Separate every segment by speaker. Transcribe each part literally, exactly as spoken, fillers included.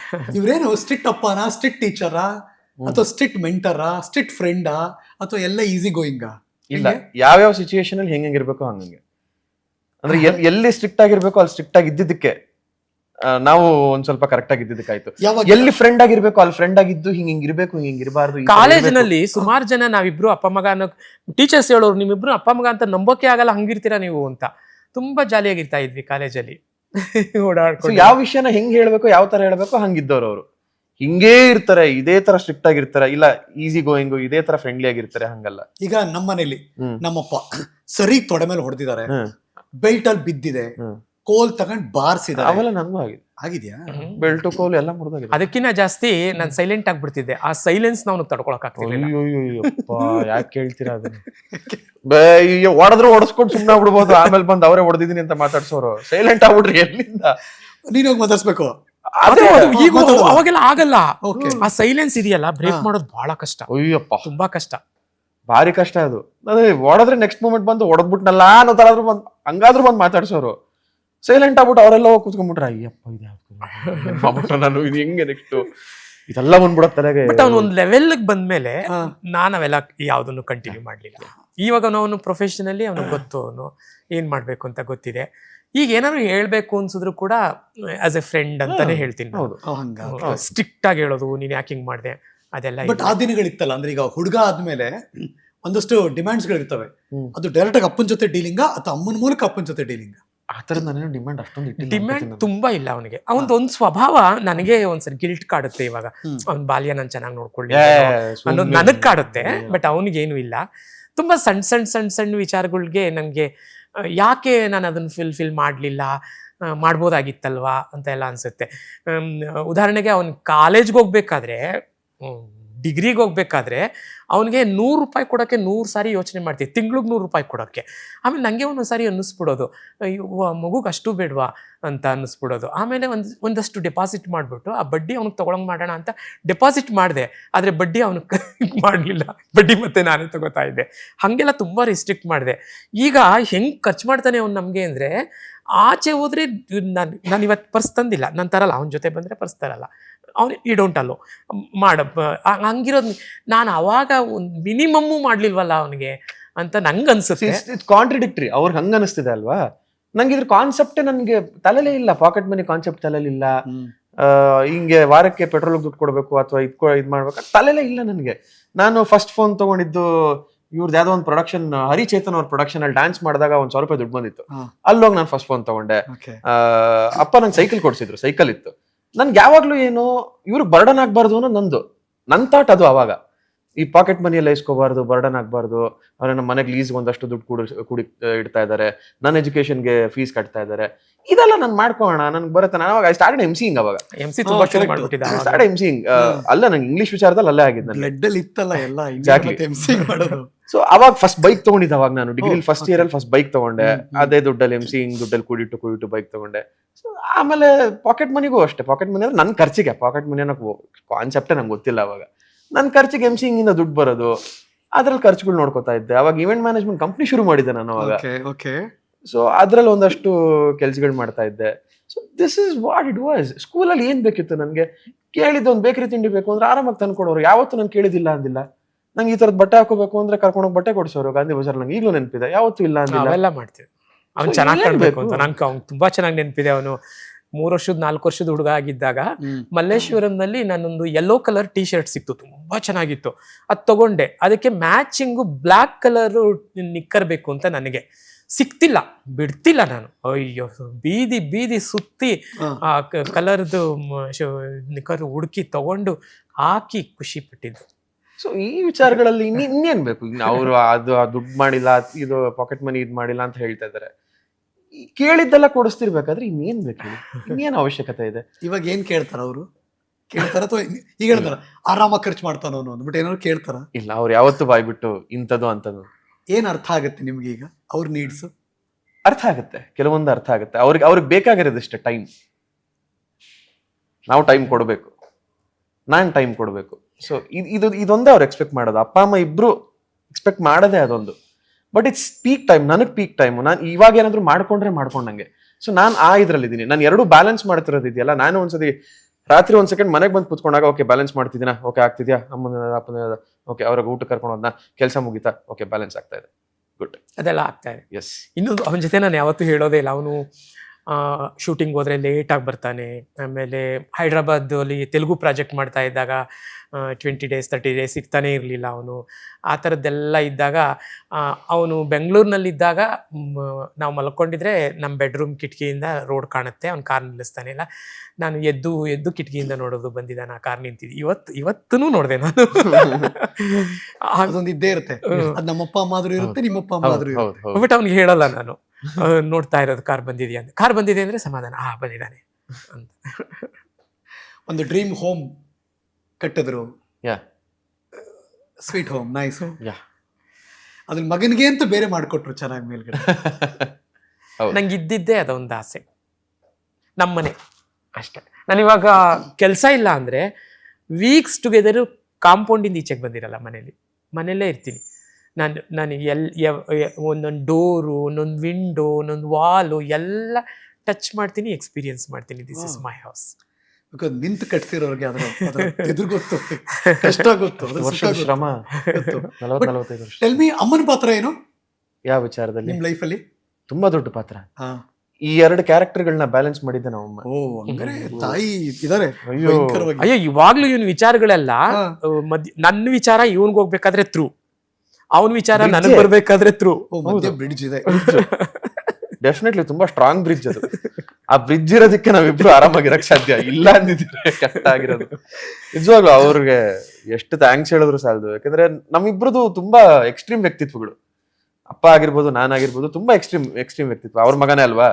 Speaker 1: ಇವ್ರೇನು strict ಅಪ್ಪನಾ, strict ಟೀಚರಾ, ಅಥವಾ strict ಮೆಂಟರಾ, strict ಫ್ರೆಂಡಾ, ಅಥವಾ ಎಲ್ಲ ಈಸಿ ಗೋಯಿಂಗಾ?
Speaker 2: ಇಲ್ಲ, ಯಾವ್ಯಾವ ಸಿಚುಯೇಷನ್ ಅಲ್ಲಿ ಹೆಂಗಿರ್ಬೇಕು ಹಂಗಂಗೆ. ಅಂದ್ರೆ ಎಲ್ಲಿ ಸ್ಟ್ರಿಕ್ಟ್ ಆಗಿರ್ಬೇಕು ಅಲ್ಲಿ ಸ್ಟ್ರಿಕ್ಟ್ ಆಗಿ ಇದ್ದಿದ್ದಕ್ಕೆ ನಾವು ಒಂದ್ ಸ್ವಲ್ಪ ಕರೆಕ್ಟ್ ಆಗಿ ಇದ್ದಿದ್ದಕ್ಕಾಯ್ತು. ಎಲ್ಲಿ ಫ್ರೆಂಡ್ ಆಗಿರ್ಬೇಕು ಅಲ್ಲಿ ಫ್ರೆಂಡ್ ಆಗಿದ್ದು ಹಿಂಗ್ ಹಿಂಗ್ ಇರ್ಬೇಕು, ಹಿಂಗ್ ಹಿಂಗ್ ಇರಬಾರ್ದು.
Speaker 3: ಕಾಲೇಜಿನಲ್ಲಿ ಸುಮಾರು ಜನ ನಾವಿಬ್ರು ಅಪ್ಪ ಮಗ ಅನ್ನೋ ಟೀಚರ್ಸ್ ಹೇಳೋರು, ನಿಮ್ಮಿಬ್ರು ಅಪ್ಪ ಮಗ ಅಂತ ನಂಬೋಕೆ ಆಗಲ್ಲ, ಹಂಗಿರ್ತೀರಾ ನೀವು ಅಂತ. ತುಂಬಾ ಜಾಲಿಯಾಗಿರ್ತಾ ಇದ್ವಿ ಕಾಲೇಜಲ್ಲಿ ಓಡಾಡ್ಕೊಂಡು.
Speaker 2: ಯಾವ ವಿಷಯನ ಹೆಂಗ್ ಹೇಳ್ಬೇಕು, ಯಾವ ತರ ಹೇಳ್ಬೇಕು ಹಂಗಿದ್ದವ್ರು ಅವರು. ಹಿಂಗೇ ಇರ್ತಾರೆ, ಇದೇ ತರ ಸ್ಟ್ರಿಕ್ಟ್ ಆಗಿರ್ತಾರೆ, ಇಲ್ಲ ಈಸಿ ಗೋಯಿಂಗ್ ಇದೇ ತರ ಫ್ರೆಂಡ್ಲಿ ಆಗಿರ್ತಾರೆ, ಹಂಗಲ್ಲ.
Speaker 1: ಈಗ ನಮ್ಮ ಮನೇಲಿ ನಮ್ಮಪ್ಪ ಸರಿ ತೊಡೆ ಮೇಲೆ ಹೊಡೆದಿದ್ದಾರೆ, ಬೆಲ್ಟ್ ಅಲ್ಲಿ ಬಿದ್ದಿದೆ, ಕೋಲ್ ತಗೊಂಡ್ ಬಾರ್ಸಿದ್ದಾರೆ.
Speaker 2: ಅವೆಲ್ಲ ನನಗೂ ಆಗಿದೆ.
Speaker 1: ಆಗಿದ್ಯಾ?
Speaker 2: ಬೆಲ್ಟ್ ಕೋಲ್ ಎಲ್ಲ ಮುರಿದೋಗಿದೆ.
Speaker 3: ಅದಕ್ಕಿಂತ ಜಾಸ್ತಿ ನಾನು ಸೈಲೆಂಟ್ ಆಗ್ಬಿಡ್ತಿದ್ದೆ. ಆ ಸೈಲೆನ್ಸ್ ನಾವು ತಡ್ಕೊಳಕ್ ಆಗ್ತಿರ್ಲಿಲ್ಲ.
Speaker 2: ಯಾಕೆ ಕೇಳ್ತೀರಾ ಅದನ್ನ? ಹೊಡೆದ್ರು ಹೊಡೆಸ್ಕೊಂಡು ಸುಮ್ಮನೆ ಆಗ್ಬಿಡ್ಬೋದು, ಆಮೇಲೆ ಬಂದು ಅವರೇ ಹೊಡೆದಿದ್ದೀನಿ ಅಂತ ಮಾತಾಡ್ಸೋರು. ಸೈಲೆಂಟ್ ಆಗ್ಬಿಡ್ರಿ, ಎಲ್ಲಿಂದ
Speaker 1: ನೀನ್ ಹೋಗಿ ಮಾತಾಡ್ಸ್ಬೇಕು.
Speaker 3: ಈಗ ಅವಾಗೆಲ್ಲ ಆಗಲ್ಲ. ಆ ಸೈಲೆನ್ಸ್ ಇದೆಯಲ್ಲ, ಬ್ರೇಕ್ ಮಾಡೋದು ಬಹಳ ಕಷ್ಟ.
Speaker 2: ಅಯ್ಯಪ್ಪ,
Speaker 3: ತುಂಬಾ ಕಷ್ಟ,
Speaker 2: ಭಾರಿ ಕಷ್ಟ ಅದು. ಅದೇ ಹೊಡೆದ್ರೆ ನೆಕ್ಸ್ಟ್ ಮೂಮೆಂಟ್ ಬಂದು ಹೊಡೆದ್ಬಿಟ್ನಲ್ಲ ಅನ್ನೋ ತರ ಆದ್ರೂ ಬಂದ್ ಹಂಗಾದ್ರೂ ಬಂದ್ ಮಾತಾಡ್ಸೋರು. ಸೈಲೆಂಟ್ ಆಗ್ಬಿಟ್ಟು ಅವರೆಲ್ಲ ಹೋಗಿ ಕೂತ್ಕೊಂಡ್ಬಿಟ್ರೆ, ಅಯ್ಯಪ್ಪ ಇದು ನಾನು ಇದು ಹೆಂಗೆ ನೆಕ್ಸ್ಟ್ ಇದೆಲ್ಲ ಬಂದ್ಬಿಡೋ ತಲೆಗೆ.
Speaker 3: ಬಟ್ ಅವ್ನು ಒಂದ್ ಲೆವೆಲ್ ಬಂದ್ಮೇಲೆ ನಾನು ಅವೆಲ್ಲ ಯಾವ್ದನ್ನು ಕಂಟಿನ್ಯೂ ಮಾಡ್ಲಿಲ್ಲ. ಇವಾಗ ಅವನು ಪ್ರೊಫೆಷನಲಿ ಅವನಿಗೆ ಗೊತ್ತು, ಅವನು ಏನ್ ಮಾಡ್ಬೇಕು ಅಂತ ಗೊತ್ತಿದೆ. ಈಗ ಏನಾದ್ರು ಹೇಳ್ಬೇಕು ಅನ್ಸಿದ್ರು ಕೂಡ ಆಸ್ ಎ ಫ್ರೆಂಡ್ ಅಂತಾನೆ ಹೇಳ್ತೀನಿ. ಸ್ಟ್ರಿಕ್ಟ್ ಆಗಿ ಹೇಳೋದು, ನೀನ್ ಯಾಕೆ ಹಿಂಗ್ ಮಾಡ್ದೆ ಅದೆಲ್ಲ.
Speaker 1: ಬಟ್ ಆ ದಿನಗಳಿತ್ತಲ್ಲ, ಅಂದ್ರೆ ಈಗ ಹುಡುಗ ಆದ್ಮೇಲೆ ಒಂದಷ್ಟು ಡಿಮ್ಯಾಂಡ್ಸ್ ಗಳಿರ್ತವೆ. ಅದು ಡೈರೆಕ್ಟ್ ಆಗಿ ಅಪ್ಪನ ಜೊತೆ ಡೀಲಿಂಗ ಅಥವಾ ಅಮ್ಮನ ಮೂಲಕ ಅಪ್ಪನ ಜೊತೆ ಡೀಲಿಂಗ?
Speaker 2: ಆ ತರದ ನಾನೇನು ಡಿಮ್ಯಾಂಡ್ ಅಷ್ಟೊಂದು
Speaker 3: ಡಿಮ್ಯಾಂಡ್ ತುಂಬಾ ಇಲ್ಲ ಅವನಿಗೆ. ಅವನದು ಒಂದ್ ಸ್ವಭಾವ ನನಗೆ ಒಂದ್ಸರಿ ಗಿಲ್ಟ್ ಕಾಡುತ್ತೆ. ಇವಾಗ ಅವ್ನ ಬಾಲ್ಯ ನಾನು ಚೆನ್ನಾಗಿ ನೋಡ್ಕೊಳ್ಳಿ ಅನ್ನೋದು ನನಗ್ ಕಾಡುತ್ತೆ. ಬಟ್ ಅವನಿಗೇನು ಇಲ್ಲ. ತುಂಬಾ ಸಣ್ಣ ಸಣ್ಣ ಸಣ್ಣ ಸಣ್ಣ ವಿಚಾರಗಳಿಗೆ ನನಗೆ ಯಾಕೆ ನಾನು ಅದನ್ನ ಫಿಲ್ ಫಿಲ್ ಮಾಡಲಿಲ್ಲ, ಮಾಡ್ಬೋದಾಗಿತ್ತಲ್ವಾ ಅಂತ ಎಲ್ಲ ಅನ್ಸುತ್ತೆ. ಉದಾಹರಣೆಗೆ ಅವ್ನು ಕಾಲೇಜ್ಗೆ ಹೋಗ್ಬೇಕಾದ್ರೆ, ಡಿಗ್ರಿಗೆ ಹೋಗ್ಬೇಕಾದ್ರೆ ಅವನಿಗೆ ನೂರು ರೂಪಾಯಿ ಕೊಡೋಕ್ಕೆ ನೂರು ಸಾರಿ ಯೋಚನೆ ಮಾಡ್ತೀವಿ, ತಿಂಗ್ಳಿಗೆ ನೂರು ರೂಪಾಯಿ ಕೊಡೋಕ್ಕೆ. ಆಮೇಲೆ ನನಗೆ ಒಂದೊಂದು ಸಾರಿ ಅನ್ನಿಸ್ಬಿಡೋದು, ಮಗುಗೆ ಅಷ್ಟು ಬೇಡವಾ ಅಂತ ಅನ್ನಿಸ್ಬಿಡೋದು. ಆಮೇಲೆ ಒಂದು ಒಂದಷ್ಟು ಡೆಪಾಸಿಟ್ ಮಾಡಿಬಿಟ್ಟು ಆ ಬಡ್ಡಿ ಅವ್ನಿಗೆ ತೊಗೊಳಂಗೆ ಮಾಡೋಣ ಅಂತ ಡೆಪಾಸಿಟ್ ಮಾಡಿದೆ. ಆದರೆ ಬಡ್ಡಿ ಅವನಿಗೆ ಮಾಡಲಿಲ್ಲ, ಬಡ್ಡಿ ಮತ್ತೆ ನಾನೇ ತಗೋತಾ ಇದ್ದೆ. ಹಾಗೆಲ್ಲ ತುಂಬ ರಿಸ್ಟ್ರಿಕ್ಟ್ ಮಾಡಿದೆ. ಈಗ ಹೆಂಗೆ ಖರ್ಚು ಮಾಡ್ತಾನೆ ಅವ್ನು ನಮಗೆ ಅಂದರೆ, ಆಚೆ ಹೋದರೆ ನಾನು ನಾನು ಇವತ್ತು ಪರ್ಸ್ ತಂದಿಲ್ಲ, ನಾನು ತರಲ್ಲ, ಅವನ ಜೊತೆ ಬಂದರೆ ಪರ್ಸ್ ತರಲ್ಲ, ಅವನು ಈ ಡೋಂಟ್ ಅಲ್ಲೋ ಮಾಡ ಹಂಗಿರೋದು. ನಾನು ಅವಾಗ ಒಂದು ಮಿನಿಮಮ್ಮು ಮಾಡ್ಲಿಲ್ವಲ್ಲ ಅವನಿಗೆ ಅಂತ ನಂಗೆ ಅನ್ಸುತ್ತೆ.
Speaker 2: ಕಾಂಟ್ರಡಿಕ್ಟ್ರಿ. ಅವ್ರಿಗೆ ಹಂಗ ಅನಿಸ್ತಿದೆ ಅಲ್ವಾ? ನಂಗೆ ಇದ್ರ ಕಾನ್ಸೆಪ್ಟೇ ನನಗೆ ತಲೆಲೇ ಇಲ್ಲ. ಪಾಕೆಟ್ ಮನಿ ಕಾನ್ಸೆಪ್ಟ್ ತಲೆಲಿಲ್ಲ. ಹಿಂಗೆ ವಾರಕ್ಕೆ ಪೆಟ್ರೋಲ್ ದುಡ್ಡು ಕೊಡಬೇಕು ಅಥವಾ ಇದ್ ಇದ್ ಮಾಡ್ಬೇಕು ತಲೆಲೇ ಇಲ್ಲ ನನಗೆ. ನಾನು ಫಸ್ಟ್ ಫೋನ್ ತಗೊಂಡಿದ್ದು ಇವ್ರದ್ದು ಯಾವ್ದೋ ಒಂದು ಪ್ರೊಡಕ್ಷನ್, ಹರಿಚೇತನ್ ಅವ್ರ ಪ್ರೊಡಕ್ಷನ್ ಅಲ್ಲಿ ಡ್ಯಾನ್ಸ್ ಮಾಡಿದಾಗ ಒಂದ್ ಸಾವಿರ ರೂಪಾಯಿ ದುಡ್ಡು ಬಂದಿತ್ತು. ಅಲ್ಲೋಗಿ ನಾನು ಫಸ್ಟ್ ಫೋನ್ ತಗೊಂಡೆ. ಅಪ್ಪ ನಂಗೆ ಸೈಕಲ್ ಕೊಡ್ಸಿದ್ರು, ಸೈಕಲ್ ಇತ್ತು. ನನ್ಗೆ ಯಾವಾಗ್ಲೂ ಏನು ಇವ್ರು ಬರ್ಡನ್ ಆಗ್ಬಾರ್ದು ಅನ್ನೋ ನಂದು ನನ್ ಥಾಟ್ ಅದು. ಅವಾಗ ಈ ಪಾಕೆಟ್ ಮನಿ ಎಲ್ಲ ಇಸ್ಕೋಬಾರ್ದು, ಬರ್ಡನ್ ಆಗ್ಬಾರ್ದು, ಅವ್ರ ನಮ್ಮ ಮನೆಗೆ ಲೀಸ್ ಒಂದಷ್ಟು ದುಡ್ಡು ಕೂಡಿ ಕೂಡಿ ಇಡ್ತಾ ಇದ್ದಾರೆ, ನನ್ನ ಎಜುಕೇಶನ್ಗೆ ಫೀಸ್ ಕಟ್ತಾ ಇದ್ದಾರೆ, ಇದೆಲ್ಲ ನಾನು ಮಾಡ್ಕೋಣ, ನನ್ಗೆ ಬರುತ್ತೆ. ನಾನು ಅವಾಗ ಐ ಸ್ಟಾರ್ಟೆಡ್ ಎಂಸಿಂಗ್. ಅವಾಗ ಸ್ಟಾರ್ಟ್ ಎಂಸಿಂಗ್ ಅಲ್ಲ, ನಂಗೆ ಇಂಗ್ಲಿಷ್ ವಿಚಾರದಲ್ಲಿ ಅಲ್ಲೇ ಆಗಿದ್ದು. ಸೊ ಅವಾಗ ಫಸ್ಟ್ ಬೈಕ್ ತಗೊಂಡಿದ್ದೆ. ಅವಾಗ ನಾನು ಡಿಗ್ರಿ ಫಸ್ಟ್ ಇಯರ್ ಅಲ್ಲಿ ಫಸ್ಟ್ ಬೈಕ್ ತಗೊಂಡೆ. ಅದೇ ದುಡ್ಡಲ್ಲಿ ಎಂಸಿಂಗ್ ದುಡ್ಡಲ್ಲಿ ಕೂಡಿಟ್ಟು ಕೂಡಿಟ್ಟು ಬೈಕ್ ತಗೊಂಡೆ. ಸೊ ಆಮೇಲೆ ಪಾಕೆಟ್ ಮನಿಗೂ ಅಷ್ಟೇ. ಪಾಕೆಟ್ ಮನಿ ಅಂದ್ರೆ ನನ್ನ ಖರ್ಚಿಗೆ, ಪಾಕೆಟ್ ಮನಿ ಅನ್ನೋ ಕಾನ್ಸೆಪ್ಟೇ ನಂಗೆ ಗೊತ್ತಿಲ್ಲ ಅವಾಗ. ನನ್ನ ಖರ್ಚಿಗೆ ಎಂಸಿಂಗ್ ಇಂದ ದುಡ್ಡು ಬರೋದು, ಅದ್ರಲ್ಲಿ ಖರ್ಚುಗಳು ನೋಡ್ಕೋತಾ ಇದ್ದೆ. ಅವಾಗ ಇವೆಂಟ್ ಮ್ಯಾನೇಜ್ಮೆಂಟ್ ಕಂಪ್ನಿ ಶುರು ಮಾಡಿದ್ದೆ ನಾನು ಅವಾಗ. ಸೊ ಅದ್ರಲ್ಲಿ ಒಂದಷ್ಟು ಕೆಲ್ಸಗಳು ಮಾಡ್ತಾ ಇದ್ದೆ. So this is what it was. ಸ್ಕೂಲಲ್ಲಿ ಏನ್ ಬೇಕಿತ್ತು ನನಗೆ? ಕೇಳಿದ್ದು ಒಂದು ಬೇಕರಿ ತಿಂಡಿ ಬೇಕು ಅಂದ್ರೆ ಆರಾಮಾಗಿ ತಂದ್ಕೊಡೋರು. ಯಾವತ್ತೂ ನಾನು ಕೇಳಿದಿಲ್ಲ ಅಂದಿಲ್ಲ. ನಂಗೆ ಈ ತರದ್ ಬಟ್ಟೆ ಹಾಕೋಬೇಕು ಅಂದ್ರೆ ಕರ್ಕೊಂಡೋಗಿ ಬಟ್ಟೆ ಕೊಡ್ಸೋರು ಗಾಂಧಿ ಬಜಾರ್. ನಂಗೆ ಈಗಲೂ ನೆನಪಿದೆ, ಯಾವತ್ತೂ ಇಲ್ಲ ಅಂದಿಲ್ಲ.
Speaker 3: ಅವೆಲ್ಲ ಮಾಡ್ತೀವಿ. ಅವ್ನು ಚೆನ್ನಾಗಿ ಕಾಣ್ಬೇಕು ಅಂತ ನಂಗೆ ಅವ್ನು ತುಂಬಾ ಚೆನ್ನಾಗಿ ನೆನಪಿದೆ. ಅವನು ಮೂರು ವರ್ಷದ ನಾಲ್ಕು ವರ್ಷದ ಹುಡುಗ ಆಗಿದ್ದಾಗ ಮಲ್ಲೇಶ್ವರಂನಲ್ಲಿ ನಾನೊಂದು ಯೆಲ್ಲೋ ಕಲರ್ ಟಿ ಶರ್ಟ್ ಸಿಕ್ತು, ತುಂಬಾ ಚೆನ್ನಾಗಿತ್ತು. ಅದು ತಗೊಂಡೆ. ಅದಕ್ಕೆ ಮ್ಯಾಚಿಂಗು ಬ್ಲ್ಯಾಕ್ ಕಲರ್ ನಿಕ್ಕರ್ ಬೇಕು ಅಂತ ನನಗೆ ಸಿಕ್ತಿಲ್ಲ, ಬಿಡ್ತಿಲ್ಲ ನಾನು. ಅಯ್ಯೋ, ಬೀದಿ ಬೀದಿ ಸುತ್ತಿ ಆ ಕಲರ್ದು ನಿಕ್ಕರ್ ಹುಡುಕಿ ತಗೊಂಡು ಹಾಕಿ ಖುಷಿ ಪಟ್ಟಿದ್ದು.
Speaker 2: ಸೊ ಈ ವಿಚಾರಗಳಲ್ಲಿ ಇನ್ನೇನ್ ಬೇಕು? ಅವರು ಅದು ದುಡ್ಡು ಮಾಡಿಲ್ಲ, ಇದು ಪಾಕೆಟ್ ಮನಿ ಇದ್ ಮಾಡಿಲ್ಲ ಅಂತ ಹೇಳ್ತಾ ಇದಾರೆ. ಕೇಳಿದ್ದೆಲ್ಲ ಕೊಡಿಸ್ತಿರ್ಬೇಕಾದ್ರೆ ಇನ್ನೇನ್ ಬೇಕು? ಇನ್ನೇನ್ ಅವಶ್ಯಕತೆ ಇದೆ?
Speaker 1: ಇವಾಗ ಏನ್ ಕೇಳ್ತಾರ ಅವರು? ಕೇಳ್ತಾರ ಅಥವಾ ಈಗ ಹೇಳ್ತಾರ ಆರಾಮಾಗಿ ಖರ್ಚು ಮಾಡ್ತಾನೋ ಅಂದ್ಬಿಟ್ಟು ಏನಾದ್ರು ಕೇಳ್ತಾರ?
Speaker 2: ಇಲ್ಲ, ಅವ್ರು ಯಾವತ್ತೂ ಬಾಯ್ಬಿಟ್ಟು ಇಂಥದ್ದು ಅಂತದ್ದು.
Speaker 1: ಏನ್ ಅರ್ಥ ಆಗುತ್ತೆ ನಿಮ್ಗೆ ಈಗ ಅವ್ರ ನೀಡ್ಸ್?
Speaker 2: ಅರ್ಥ ಆಗುತ್ತೆ, ಕೆಲವೊಂದು ಅರ್ಥ ಆಗುತ್ತೆ. ಅವ್ರಿಗೆ ಅವ್ರಿಗೆ ಬೇಕಾಗಿರೋದಷ್ಟೇ ಟೈಮ್. ನಾವು ಟೈಮ್ ಕೊಡಬೇಕು, ನಾನ್ ಟೈಮ್ ಕೊಡಬೇಕು. ಸೊ ಇದು ಇದೊಂದೇ ಅವ್ರು ಎಕ್ಸ್ಪೆಕ್ಟ್ ಮಾಡೋದು. ಅಪ್ಪ ಅಮ್ಮ ಇಬ್ರು ಎಕ್ಸ್ಪೆಕ್ಟ್ ಮಾಡೋದೇ ಅದೊಂದು. ಬಟ್ ಇಟ್ಸ್ ಪೀಕ್ ಟೈಮ್, ನನಗೆ ಪೀಕ್ ಟೈಮ್. ನಾನು ಇವಾಗ ಏನಾದ್ರು ಮಾಡ್ಕೊಂಡ್ರೆ ಮಾಡ್ಕೊಂಡಂಗೆ. ಸೊ ನಾನು ಆ ಇದ್ರಲ್ಲಿ ಇದ್ದೀನಿ. ನಾನು ಎರಡು ಬ್ಯಾಲೆನ್ಸ್ ಮಾಡ್ತಿರೋದು ಇದೆಯಲ್ಲ. ನಾನು ಒಂದ್ಸತಿ ರಾತ್ರಿ ಒಂದ್ ಸೆಕೆಂಡ್ ಮನೆಗೆ ಬಂದು ಕುತ್ಕೊಂಡಾಗ ಓಕೆ ಬ್ಯಾಲೆನ್ಸ್ ಮಾಡ್ತಿದ್ದೀನಾ, ಓಕೆ ಆಗ್ತಿದ್ಯಾ, ಅಮ್ಮನ ಅಪ್ಪನ ಓಕೆ ಅವ್ರಿಗೆ ಊಟ ಕರ್ಕೊಂಡು ಹೋದ್ನಾ, ಕೆಲಸ ಮುಗಿತಾ, ಓಕೆ ಬ್ಯಾಲೆನ್ಸ್ ಆಗ್ತಾ ಇದೆ, ಗುಡ್,
Speaker 3: ಅದೆಲ್ಲ ಆಗ್ತಾ ಇದೆ.
Speaker 2: ಎಸ್.
Speaker 3: ಇನ್ನೊಂದು ಅವನ ಜೊತೆ ನಾನು ಯಾವತ್ತೂ ಹೇಳೋದೇ ಇಲ್ಲ, ಅವನು ಶೂಟಿಂಗ್ ಹೋದ್ರೆ ಲೇಟಾಗಿ ಬರ್ತಾನೆ. ಆಮೇಲೆ ಹೈದ್ರಾಬಾದಲ್ಲಿ ತೆಲುಗು ಪ್ರಾಜೆಕ್ಟ್ ಮಾಡ್ತಾ ಇದ್ದಾಗ ಟ್ವೆಂಟಿ ಡೇಸ್ ತರ್ಟಿ ಡೇಸ್ ಸಿಗ್ತಾನೆ ಇರಲಿಲ್ಲ ಅವನು. ಆ ಥರದ್ದೆಲ್ಲ ಇದ್ದಾಗ ಅವನು ಬೆಂಗಳೂರಿನಲ್ಲಿದ್ದಾಗ ನಾವು ಮಲ್ಕೊಂಡಿದ್ರೆ ನಮ್ಮ ಬೆಡ್ರೂಮ್ ಕಿಟಕಿಯಿಂದ ರೋಡ್ ಕಾಣುತ್ತೆ, ಅವ್ನು ಕಾರ್ ನಿಲ್ಲಿಸ್ತಾನೆ ಇಲ್ಲ. ನಾನು ಎದ್ದು ಎದ್ದು ಕಿಟಕಿಯಿಂದ ನೋಡೋದು, ಬಂದಿದ್ದಾನೆ ಆ ಕಾರ್ ನಿಂತಿದ್ದು. ಇವತ್ತು ಇವತ್ತೂ ನೋಡಿದೆ ನಾನು.
Speaker 1: ಅದೊಂದು ಇದ್ದೇ ಇರುತ್ತೆ, ಅದು ನಮ್ಮಪ್ಪ ಅಮ್ಮ ಆದ್ರೂ ಇರುತ್ತೆ, ನಿಮ್ಮಪ್ಪ ಅಮ್ಮ ಆದ್ರೂ ಇರುತ್ತೆ.
Speaker 3: ಬಟ್ ಅವ್ನಿಗೆ ಹೇಳಲ್ಲ ನಾನು ನೋಡ್ತಾ ಇರೋದು ಕಾರ್ ಬಂದಿದೆಯಾ ಅಂತ. ಕಾರ್ ಬಂದಿದೆ ಅಂದ್ರೆ ಸಮಾಧಾನ, ಆ ಬಂದಿದ್ದಾನೆ ಅಂತ.
Speaker 1: ಒಂದು ಡ್ರೀಮ್ ಹೋಮ್ ಕಟ್ಟಿದ್ರು,
Speaker 2: yeah
Speaker 1: sweet home, nice.
Speaker 2: Yeah
Speaker 1: ಅದ್ರ ಮಗನಿಗೆ ಅಂತ ಬೇರೆ ಮಾಡ್ಕೊಟ್ರು ಚೆನ್ನಾಗಿ ಮೇಲ್ಗಡೆ.
Speaker 3: ನಂಗೆ ಇದ್ದಿದ್ದೇ ಅದೊಂದು ಆಸೆ, ನಮ್ಮನೆ ಅಷ್ಟೇ. ನಾನಿವಾಗ ಕೆಲಸ ಇಲ್ಲ ಅಂದ್ರೆ ವೀಕ್ಸ್ ಟುಗೆದರು ಕಾಂಪೌಂಡಿಂದ ಈಚೆಗೆ ಬಂದಿರಲ್ಲ, ಮನೇಲಿ ಮನೆಯಲ್ಲೇ ಇರ್ತೀನಿ ನಾನು. ನಾನು ಎಲ್ ಒಂದೊಂದು ಡೋರು, ಒಂದೊಂದು ವಿಂಡೋ, ಒಂದೊಂದು ವಾಲು ಎಲ್ಲ ಟಚ್ ಮಾಡ್ತೀನಿ, ಎಕ್ಸ್ಪೀರಿಯನ್ಸ್ ಮಾಡ್ತೀನಿ. This is my house.
Speaker 1: Because ನಿಂತು ಕಟ್ಸಿರೋರಿಗೆ ಅದ್ರ ಎದುರು ಗೊತ್ತು, ಕಷ್ಟ ಗೊತ್ತು,
Speaker 2: ವರ್ಷದ ಶ್ರಮ. ನಲವತ್ತು ನಲವತ್ತೈದು ವರ್ಷ.
Speaker 1: ಟೆಲ್ ಮಿ, ಅಮ್ಮನ ಪಾತ್ರ ಏನು
Speaker 2: ಯಾವ ವಿಚಾರದಲ್ಲಿ
Speaker 1: ನಿಮ್ ಲೈಫಲ್ಲಿ?
Speaker 2: ತುಂಬಾ ದೊಡ್ಡ ಪಾತ್ರ.
Speaker 1: ಹಾ,
Speaker 2: ಈ ಎರಡು ಕ್ಯಾರೆಕ್ಟರ್ಗಳನ್ನ ಬ್ಯಾಲೆನ್ಸ್ ಮಾಡಿದ್ದೆ ನಮ್ಮಮ್ಮ.
Speaker 1: ಓ ಹಂಗಾರೆ ತಾಯಿ ಇದಾರೆ.
Speaker 2: ಅಯ್ಯೋ
Speaker 3: ಅಯ್ಯೋ, ಇವಾಗ್ಲೂ ಇವನ್ ವಿಚಾರಗಳೆಲ್ಲ ಮಧ್ಯ ನನ್ನ ವಿಚಾರ ಇವನ್ಗೆ ಹೋಗ್ಬೇಕಾದ್ರೆ ಥ್ರೂ, ಅವನ ವಿಚಾರ ನನಗೆ ಬರ್ಬೇಕಾದ್ರೆ ಥ್ರೂ.
Speaker 1: ಮಧ್ಯೆ ಬ್ರಿಡ್ಜ್ ಇದೆ.
Speaker 2: ಡೆಫಿನೆಟ್ಲಿ ತುಂಬಾ ಸ್ಟ್ರಾಂಗ್ ಬ್ರಿಡ್ಜ್ ಅದು. ಆ ಬ್ರಿಡ್ಜ್ ಇರೋದಕ್ಕೆ ನಾವಿಬ್ರು ಆರಾಮಾಗಿರಕ್ ಸಾಧ್ಯ, ಇಲ್ಲ ಅಂದಿದ್ರೆ ಕಷ್ಟ ಆಗಿರೋದು. ನಿಜವಾಗ್ಲು ಅವ್ರಿಗೆ ಎಷ್ಟು ಥ್ಯಾಂಕ್ಸ್ ಹೇಳಿದ್ರು ಸಾಲದು. ಯಾಕಂದ್ರೆ ನಮ್ಮಿಬ್ರದು ತುಂಬಾ ಎಕ್ಸ್ಟ್ರೀಮ್ ವ್ಯಕ್ತಿತ್ವಗಳು. ಅಪ್ಪ ಆಗಿರ್ಬೋದು, ನಾನಾಗಿರ್ಬೋದು, ತುಂಬಾ ಎಕ್ಸ್ಟ್ರೀಮ್ ಎಕ್ಸ್ಟ್ರೀಮ್ ವ್ಯಕ್ತಿತ್ವ. ಅವ್ರ ಮಗನೇ ಅಲ್ವಾ,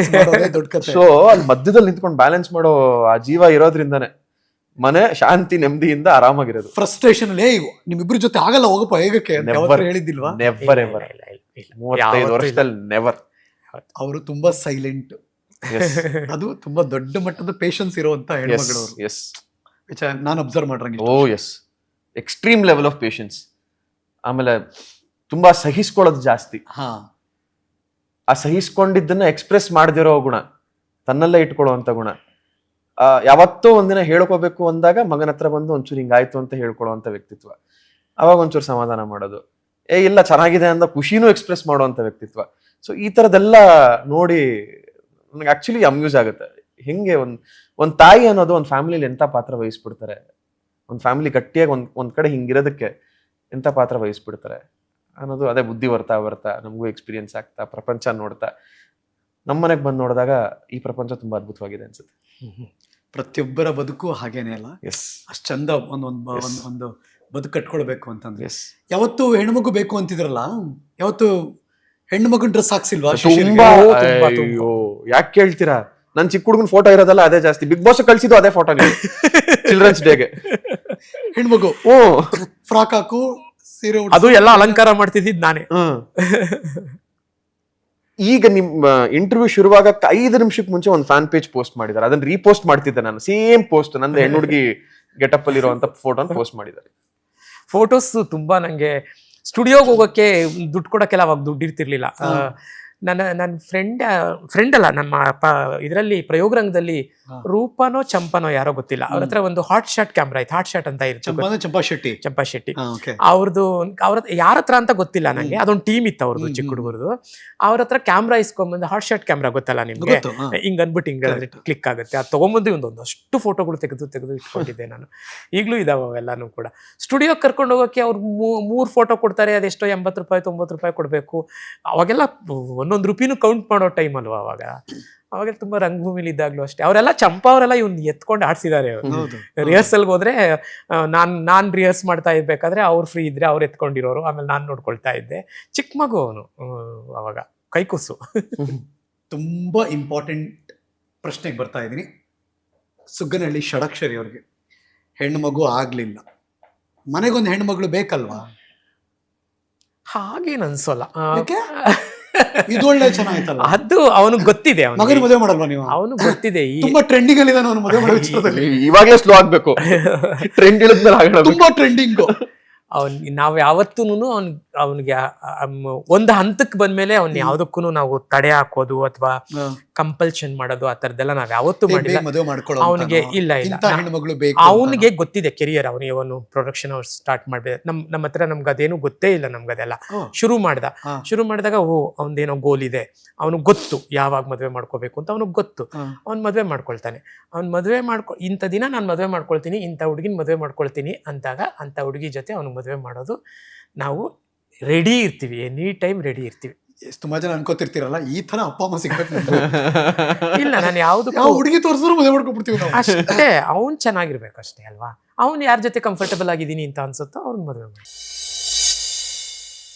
Speaker 2: ಸೊ ಅಲ್ಲಿ ಮಧ್ಯದಲ್ಲಿ ನಿಂತ್ಕೊಂಡು ಬ್ಯಾಲೆನ್ಸ್ ಮಾಡೋ ಆ ಜೀವ ಇರೋದ್ರಿಂದಾನೆ ಮನೆ ಶಾಂತಿ ನೆಮ್ಮದಿಯಿಂದ ಆರಾಮಾಗಿರೋದು.
Speaker 1: ಫ್ರಸ್ಟ್ರೇಷನ್ ಅಲ್ಲಿ ನಿಮ್ಮಿಬ್ರ ಜೊತೆ ಆಗಲ್ಲ ಹೋಗಪ್ಪ ಹೇಗಕ್ಕೆ ಹೇಳಿದ್ದಿಲ್ವಾ?
Speaker 2: Never ever. ಮೂವತ್ತೈದು ವರ್ಷದಲ್ಲಿ ನೆವರ್.
Speaker 1: ಅವರು ತುಂಬಾ ಸೈಲೆಂಟ್, ಅದು ತುಂಬಾ ದೊಡ್ಡ ಮಟ್ಟದ ಪೇಷನ್ಸ್ ಇರುವಂತ ಹೆಣ್ಮಗಳು.
Speaker 2: ಎಸ್,
Speaker 1: ನಾನು ಅಬ್ಸರ್ವ್ ಮಾಡ್ರಂಗೆ.
Speaker 2: Oh yes, extreme level of patience. ಆಮೇಲೆ ತುಂಬಾ ಸಹಿಸ್ಕೊಳ್ಳೋದು ಜಾಸ್ತಿ.
Speaker 1: ಹಾ,
Speaker 2: ಆ ಸಹಿಸ್ಕೊಂಡಿದ್ದನ್ನ ಎಕ್ಸ್ಪ್ರೆಸ್ ಮಾಡದಿರೋ ಗುಣ, ತನ್ನಲ್ಲೇ ಇಟ್ಕೊಳ್ಳುವಂತ ಗುಣ. ಆ ಯಾವತ್ತೋ ಒಂದಿನ ಹೇಳ್ಕೋಬೇಕು ಅಂದಾಗ ಮಗನ ಹತ್ರ ಬಂದು ಒಂಚೂರು ಹಿಂಗಾಯ್ತು ಅಂತ ಹೇಳ್ಕೊಳ್ಳುವಂತ ವ್ಯಕ್ತಿತ್ವ. ಅವಾಗ ಒಂಚೂರು ಸಮಾಧಾನ ಮಾಡೋದು, ಏ ಇಲ್ಲ ಚೆನ್ನಾಗಿದೆ ಅಂತ ಖುಷಿನೂ ಎಕ್ಸ್ಪ್ರೆಸ್ ಮಾಡುವಂತ ವ್ಯಕ್ತಿತ್ವ. ಸೊ ಈ ತರದೆಲ್ಲ ನೋಡಿ ನನಗೆ ಆಕ್ಚುಲಿ ಅಮ್ಯೂಸ್ ಆಗುತ್ತೆ. ಹೆಂಗೆ ಒಂದ್ ಒಂದ್ ತಾಯಿ ಅನ್ನೋದು ಒಂದ್ ಫ್ಯಾಮಿಲಿಲಿ ಎಂತ ಪಾತ್ರ ವಹಿಸ್ಬಿಡ್ತಾರೆ, ಒಂದ್ ಫ್ಯಾಮಿಲಿ ಗಟ್ಟಿಯಾಗಿ ಒಂದ್ ಒಂದ್ ಕಡೆ ಹಿಂಗಿರೋದಕ್ಕೆ ಎಂತ ಪಾತ್ರ ವಹಿಸ್ಬಿಡ್ತಾರೆ ಅನ್ನೋದು. ಅದೇ ಬುದ್ಧಿ ಬರ್ತಾ ಬರ್ತಾ ನಮಗೂ ಎಕ್ಸ್ಪೀರಿಯನ್ಸ್ ಆಗ್ತಾ, ಪ್ರಪಂಚ ನೋಡ್ತಾ, ನಮ್ಮನೆಗೆ ಬಂದು ನೋಡಿದಾಗ ಈ ಪ್ರಪಂಚ ತುಂಬಾ ಅದ್ಭುತವಾಗಿದೆ ಅನ್ಸುತ್ತೆ.
Speaker 1: ಪ್ರತಿಯೊಬ್ಬರ ಬದುಕು ಹಾಗೇನೆ ಅಲ್ಲ.
Speaker 2: ಎಸ್,
Speaker 1: ಅಷ್ಟ್ ಚಂದ ಒಂದ್ ಒಂದ್ ಒಂದ್ ಒಂದು ಬದುಕು ಕಟ್ಕೊಳ್ಬೇಕು ಅಂತಂದ್ರೆ.
Speaker 2: ಎಸ್,
Speaker 1: ಯಾವತ್ತು ಹೆಣ್ಮಗು ಬೇಕು ಅಂತಿದ್ರಲ್ಲ, ಯಾವತ್ತು ಹೆಣ್ಣು ಮಗನ್ ಡ್ರೆಸ್ ಹಾಕ್ಸಿಲ್ವಾ?
Speaker 2: ತುಂಬಾ. ಅಯ್ಯೋ ಯಾಕೆ ಕೇಳ್ತೀರಾ, ನನ್ ಚಿಕ್ಕ ಹುಡುಗನ್ ಫೋಟೋ ಇರೋದಲ್ಲ ಅದೇ ಜಾಸ್ತಿ. ಬಿಗ್ ಬಾಸ್ ಕಳ್ಸಿದ್ದು ಅದೇ ಫೋಟೋ ಚಿಲ್ಡ್ರನ್ಸ್ ಡೇಗೆ.
Speaker 1: ಹೆಣ್ಮಗು
Speaker 2: ಓ
Speaker 1: ಫ್ರಾಕ್ ಹಾಕು, ಸೀರೆ,
Speaker 3: ಅದು ಎಲ್ಲ ಅಲಂಕಾರ ಮಾಡ್ತಿದ್ದಿದ್ ನಾನೇ.
Speaker 2: ಈಗ ನಿಮ್ಮ ಇಂಟರ್ವ್ಯೂ ಶುರುವಾಗಕ್ಕೆ ಐದು ನಿಮಿಷಕ್ಕೆ ಮುಂಚೆ ಒಂದು ಫ್ಯಾನ್ ಪೇಜ್ ಪೋಸ್ಟ್ ಮಾಡಿದ್ದಾರೆ. ಅದನ್ನ ರೀಪೋಸ್ಟ್ ಮಾಡ್ತಿದ್ದೆ ನಾನು. ಸೇಮ್ ಪೋಸ್ಟ್, ನಂದು ಹೆಣ್ಣು ಹುಡುಗಿ ಗೆಟಪ್ ಅಲ್ಲಿ ಇರುವಂತ ಫೋಟೋನ ಪೋಸ್ಟ್ ಮಾಡಿದ್ದಾರೆ.
Speaker 3: ಫೋಟೋಸ್ ತುಂಬಾ ನಂಗೆ ಸ್ಟುಡಿಯೋಗೆ ಹೋಗೋಕ್ಕೆ ದುಡ್ಡು ಕೊಡೋಕ್ಕೆಲ್ಲ ಅವಾಗ ದುಡ್ಡು ಇರ್ತಿರ್ಲಿಲ್ಲ. ನನ್ನ ನನ್ನ ಫ್ರೆಂಡ್ ಫ್ರೆಂಡ್ ಅಲ್ಲ, ನಮ್ಮ ಪ ಇದರಲ್ಲಿ ಪ್ರಯೋಗರಂಗದಲ್ಲಿ ರೂಪನೋ ಚಂಪನೋ ಯಾರೋ ಗೊತ್ತಿಲ್ಲ, ಅವ್ರ ಹತ್ರ ಒಂದು ಹಾಟ್ ಶಾಟ್ ಕ್ಯಾಮ್ರಾ ಇತ್ತು. ಹಾಟ್ ಶಾಟ್ ಅಂತ ಇರುತ್ತೆ,
Speaker 1: ಚಂಪಾ ಶೆಟ್ಟಿ
Speaker 3: ಚಂಪಾ ಶೆಟ್ಟಿ ಅವ್ರದ್ದು. ಅವ್ರ ಯಾರ ಹತ್ರ ಅಂತ ಗೊತ್ತಿಲ್ಲ ನಂಗೆ, ಅದೊಂದು ಟೀಮ್ ಇತ್ತು ಅವ್ರದ್ದು, ಚಿಕ್ಕ ಹುಡುಗರದು. ಅವ್ರ ಹತ್ರ ಕ್ಯಾಮ್ರಾ ಇಸ್ಕೊಂಡ್ಬಂದು, ಹಾಟ್ ಶಾಟ್ ಕ್ಯಾಮ್ರಾ ಗೊತ್ತಲ್ಲ ನಿಮ್ಗೆ, ಹಿಂಗ್ ಅನ್ಬಿಟ್ಟು ಹಿಂಗೆ ಕ್ಲಿಕ್ ಆಗುತ್ತೆ, ಅದು ತಗೊಂಬಂದು ಒಂದು ಅಷ್ಟು ಫೋಟೋಗಳು ತೆಗೆದು ತೆಗೆದು ಇಟ್ಕೊಂಡಿದ್ದೆ ನಾನು. ಈಗಲೂ ಇದಾವೆ ಅವೆಲ್ಲಾನು ಕೂಡ. ಸ್ಟುಡಿಯೋಗೆ ಕರ್ಕೊಂಡು ಹೋಗೋಕೆ ಅವ್ರು ಮೂರು ಫೋಟೋ ಕೊಡ್ತಾರೆ, ಅದೆಷ್ಟೋ ಎಂಬತ್ತು ರೂಪಾಯಿ ತೊಂಬತ್ತು ರೂಪಾಯಿ ಕೊಡಬೇಕು. ಅವಾಗೆಲ್ಲ ಒಂದೊಂದು ರೂಪಾಯಿನೂ ಕೌಂಟ್ ಮಾಡೋ ಟೈಮ್ ಅಲ್ವಾ ಅವಾಗ. ಅವಾಗೆಲ್ಲ ತುಂಬಾ ರಂಗಭೂಮಿಲಿ ಇದ್ದಾಗ್ಲೂ ಅಷ್ಟೇ. ಅವರೆಲ್ಲ ಚಂಪಾ ಅವರೆಲ್ಲ ಇವ್ನ ಎತ್ಕೊಂಡು ಆಡ್ಸಿದ್ದಾರೆ. ರಿಹರ್ಸಲ್ಗೆ ಹೋದ್ರೆ ನಾನ್ ನಾನ್ ರಿಹರ್ಸ್ ಮಾಡ್ತಾ ಇರ್ಬೇಕಾದ್ರೆ ಅವ್ರು ಫ್ರೀ ಇದ್ರೆ ಅವ್ರು ಎತ್ಕೊಂಡಿರೋರು, ಆಮೇಲೆ ನಾನ್ ನೋಡ್ಕೊಳ್ತಾ ಇದ್ದೆ. ಚಿಕ್ಕ ಮಗು ಅವನು ಅವಾಗ, ಕೈಕುಸು.
Speaker 1: ತುಂಬಾ ಇಂಪಾರ್ಟೆಂಟ್ ಪ್ರಶ್ನೆಗೆ ಬರ್ತಾ ಇದ್ದೀನಿ. ಸುಗ್ಗನಹಳ್ಳಿ ಷಡಕ್ಷರಿ ಅವ್ರಿಗೆ ಹೆಣ್ಣು ಮಗು ಆಗ್ಲಿಲ್ಲ, ಮನೆಗೊಂದು ಹೆಣ್ಣು ಮಗಳು ಬೇಕಲ್ವಾ?
Speaker 3: ಹಾಗೇನು ಅನ್ಸೋಲ್ಲ.
Speaker 1: ಇದು ಒಳ್ಳೆ ಚೆನ್ನಾಗಿತ್ತಲ್ಲ.
Speaker 3: ಅದು ಅವನಿಗೆ ಗೊತ್ತಿದೆ,
Speaker 1: ಮಗನ ಮದುವೆ ಮಾಡಲ್ವಾ ನೀವು?
Speaker 3: ಅವನು ಗೊತ್ತಿದೆ.
Speaker 1: ತುಂಬಾ ಟ್ರೆಂಡಿಂಗ್ ಅಲ್ಲಿ ಅವನು ಮದುವೆ ಮಾಡೋ ವಿಚಾರದಲ್ಲಿ
Speaker 2: ಇವಾಗಲೇ ಸ್ಲೋ ಆಗ್ಬೇಕು, ಟ್ರೆಂಡ್ ಇಳಿದ್ಮೇಲೆ
Speaker 1: ತುಂಬಾ ಟ್ರೆಂಡಿಂಗ್.
Speaker 3: ಅವನ್ ನಾವ್ ಯಾವತ್ತೂನು ಅವ್ನ್ ಅವನಿಗೆ ಒಂದು ಹಂತಕ್ಕೆ ಬಂದ್ಮೇಲೆ ಅವ್ನ ಯಾವ್ದಕ್ಕೂ ನಾವು ತಡೆ ಹಾಕೋದು ಅಥವಾ ಕಂಪಲ್ಷನ್ ಮಾಡೋದು ಆ ಥರದ್ದೆಲ್ಲ ನಾವ್ ಯಾವತ್ತೂ
Speaker 1: ಬೇಗ
Speaker 3: ಮಾಡಿಲ್ಲ.
Speaker 1: ಬೇಗ ಮದುವೆ ಮಾಡ್ಕೊಳ್ಳೋ
Speaker 3: ಅವನಿಗೆ ಇಲ್ಲ ಇಲ್ಲ
Speaker 1: ಇಂಥ ಹೆಣ್ಮಗಳು ಬೇಕು
Speaker 3: ಅವನಿಗೆ ಗೊತ್ತಿದೆ ಕೆರಿಯರ್, ಅವನಿಗೆ ಅವನು ಪ್ರೊಡಕ್ಷನ್ ಅವ್ರು ಸ್ಟಾರ್ಟ್ ಮಾಡ್ಬೇಕು. ನಮ್ ನಮ್ಮ ಹತ್ರ ನಮ್ಗೆ ಅದೇನು ಗೊತ್ತೇ ಇಲ್ಲ, ನಮ್ಗೆ ಅದೆಲ್ಲ
Speaker 1: ಹ್ಮ್.
Speaker 3: ಶುರು ಮಾಡ್ದ.
Speaker 1: ಹಾ.
Speaker 3: ಶುರು ಮಾಡಿದಾಗ ಓ ಅವನದೇನೋ ಗೋಲ್ ಇದೆ, ಅವನಿಗೆ ಗೊತ್ತು ಯಾವಾಗ ಮದುವೆ ಮಾಡ್ಕೋಬೇಕು ಅಂತ ಅವನಿಗೆ ಗೊತ್ತು.
Speaker 1: ಹಾ.
Speaker 3: ಅವ್ನು ಮದುವೆ ಮಾಡ್ಕೊಳ್ತಾನೆ. ಅವ್ನು ಮದುವೆ ಮಾಡ್ಕೊ ಇಂಥ ದಿನ ನಾನು ಮದುವೆ ಮಾಡ್ಕೊಳ್ತೀನಿ, ಇಂಥ ಹುಡುಗಿನ ಮದುವೆ ಮಾಡ್ಕೊಳ್ತೀನಿ ಅಂದಾಗ ಅಂಥ ಹುಡುಗಿ ಜೊತೆ ಅವ್ನಿಗೆ ಮದುವೆ ಮಾಡೋದು ನಾವು ರೆಡಿ ಇರ್ತೀವಿ, ಎನಿ ಟೈಮ್ ರೆಡಿ ಇರ್ತೀವಿ.
Speaker 1: ಎಷ್ಟು ತುಂಬಾ ಜನ ಅನ್ಕೋತಿರ್ತೀರಲ್ಲ ಈ ತರ ಅಪ್ಪ ಅಮ್ಮ ಸಿಗ್ಬೇಕು
Speaker 3: ಇಲ್ಲ ನಾನು ಯಾವ್ದು
Speaker 1: ಯಾವ ಹುಡುಗಿ ತೋರಿಸಿದ್ರು ಮದುವೆ ಮಾಡ್ಕೊಬಿಡ್ತೀವಿ ನಾವು.
Speaker 3: ಅಷ್ಟೇ, ಅವ್ನು ಚೆನ್ನಾಗಿರ್ಬೇಕು ಅಷ್ಟೇ ಅಲ್ವಾ. ಅವ್ನು ಯಾರ ಜೊತೆ ಕಂಫರ್ಟಬಲ್ ಆಗಿದ್ದೀನಿ ಅಂತ ಅನ್ಸುತ್ತೋ ಅವ್ರನ್ನ ಮದುವೆ ಮಾಡಿ.